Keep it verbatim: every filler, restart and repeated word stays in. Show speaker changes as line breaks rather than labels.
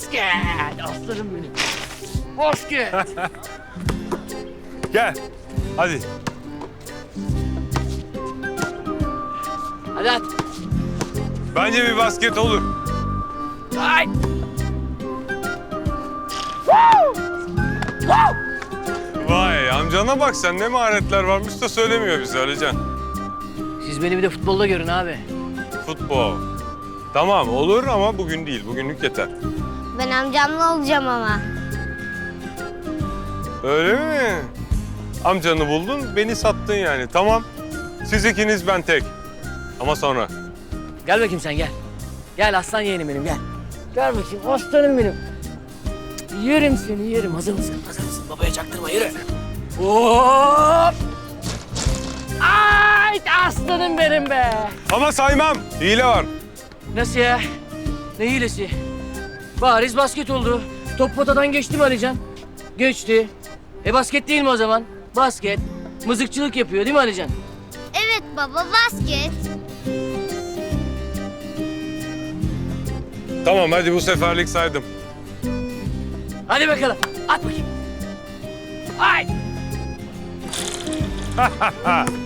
Basket. Aslanım benim. Basket.
Gel. Hadi.
Hadi at.
Bence bir basket olur.
Ay. Woo! Woo!
Vay amcana bak sen ne maharetler varmış da söylemiyor bize Alican.
Siz beni bir de futbolda görün abi.
Futbol. Tamam olur ama bugün değil. Bugünlük yeter.
Ben amcamla olacağım ama.
Öyle mi? Amcanı buldun, beni sattın yani. Tamam. Siz ikiniz, ben tek. Ama sonra.
Gel bakayım sen gel. Gel aslan yeğenim benim gel. Gel bakayım aslanım benim. Yerim seni yerim. Hazır mısın? Hazır mısın? Babaya çaktırma yürü. Hop! Ay aslanım benim be.
Ama saymam. Hile var.
Nasıl ya? Ne hilesi? Bariz basket oldu. Top potadan geçti mi Alican? Geçti. E basket değil mi o zaman? Basket. Mızıkçılık yapıyor değil mi Alican?
Evet baba, basket.
Tamam hadi bu seferlik saydım.
Hadi bakalım. At bakayım. Ay!